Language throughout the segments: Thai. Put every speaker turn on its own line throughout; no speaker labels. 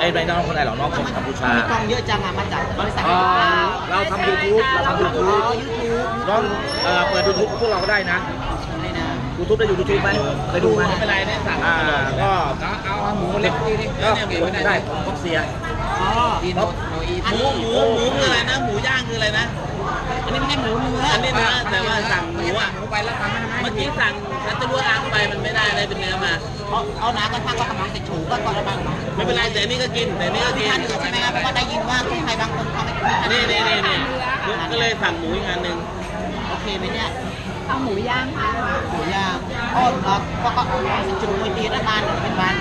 ไม่น้องคนไหนหรอกน้องคนกัมพูชา
มีกล้องเยอะจังอะมาจากบริษัท
เราทำ YouTube น้องเปิด YouTube พวกเราก็ได้นะ YouTube ได้ YouTube ไหมเคยดูไหมไม่เป็นไรเนี่ยสั่งก็เอาหมูเล็กก็ได้ผมก็เสีย
หมูคืออะไรนะหมูย่างคืออะไรนะ
อันนี้ไม่ใช่หมูเนื้อ
อันนี้เนื้อแต่ว่าสั่งหมูอ่ะเมื่อกี้สั่งฉันจะรู้ล้างไปมันไม่ได้เลยเป็นเนื้อมา
เอาหนาก็ทั้งก็กำลังจะถูก็อะไรบ้าง
ไม่เป็นไรแต่นี่ก็กินแต่นี่ก็กิน
ท่านอื่นใช่ไหมครับเพราะว่าได้ยินว่าคนไทยบางคนเขาไม่
นี่ก็เลยสั่งหมูอีกอันหนึ่ง
โอเคไหมเนี่ย
เอาหมูย่างค่ะ
หมูย่างอ้อเหรอก็จุดมวยตีรัฐบาลเป็นบ้าน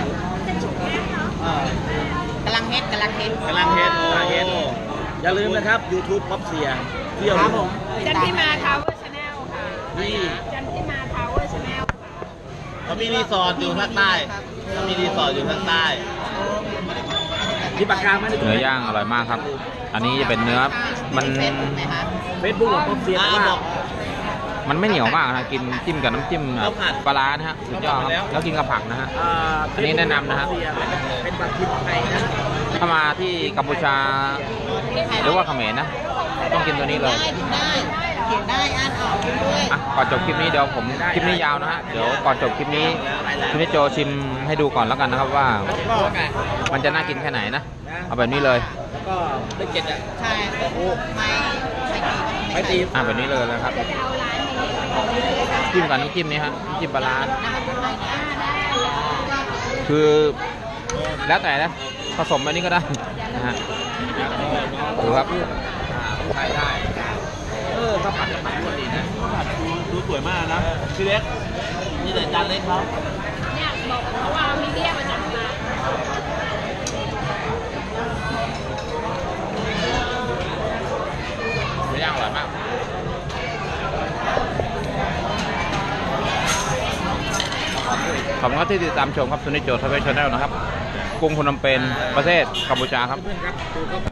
กำลังเฮ็ด
อย่าลืมนะครับ YouTube ป๊อปเสียเที่ยว
ครับผม
จันทิมาทาวเวอร์ชาแนลค่ะจันทิมาทาวเวอร์ชาแนล
เขามีรีสอร์ทอยู่ภาคใต้เขามีรีสอร์ทอยู่ภาคใต้
ที่ปากกาไม่ได้
เนื้อย่างอร่อยมากครับอันนี้จะเป็นเนื้อมัน
เฟซบุ๊กของป๊อปเสียว่า
มันไม่เหนียวมากนะกินจิ้มกับน้ำจิ้มปลาร้านะฮะสุดยอดครับแล้วกินกับผักนะฮะอันนี้แนะนำนะฮะ
เป็นปลาทิพไทยนะ
ถ้ามาที่กัมพูชาหรือว่าเขมรนะต้องกินตัวนี้เลย
เขียนได้อ่านออกด้วย
ก่อนจบคลิปนี้เดี๋ยวผมคลิปนี้ยาวนะฮะเดี๋ยวก่อนจบคลิปนี้คุณนิโจชิมให้ดูก่อนแล้วกันนะครับว่ามันจะน่ากินแค่ไหนนะเอาแบบนี้เลย
แล้วก็ได้เจ็ดอ่ะ
ใช่
ไม่ตี
แบบนี้เลยนะครับจิ้มกับน้ำจิ้มนี้ฮะจิ้มปลาร้าคือแล้วแต่นะผสมแบบนี้ก็ได้นะฮะดูครับ
ใช้ได้ข้าวผัดก็ดีนะข้าวผัดดูสวยมากนะพี่เล็ก
นี่แต่จานเล็กเขา
เนี่ยบอกเขาว่ามีเดียมาจากมา
ไม่ย่างอร่อยมากขอบคุณที่ติดตามชมครับซุนิโจทเวชแนลนะครับกรุงพนมเปญประเทศกัมพูชาครับ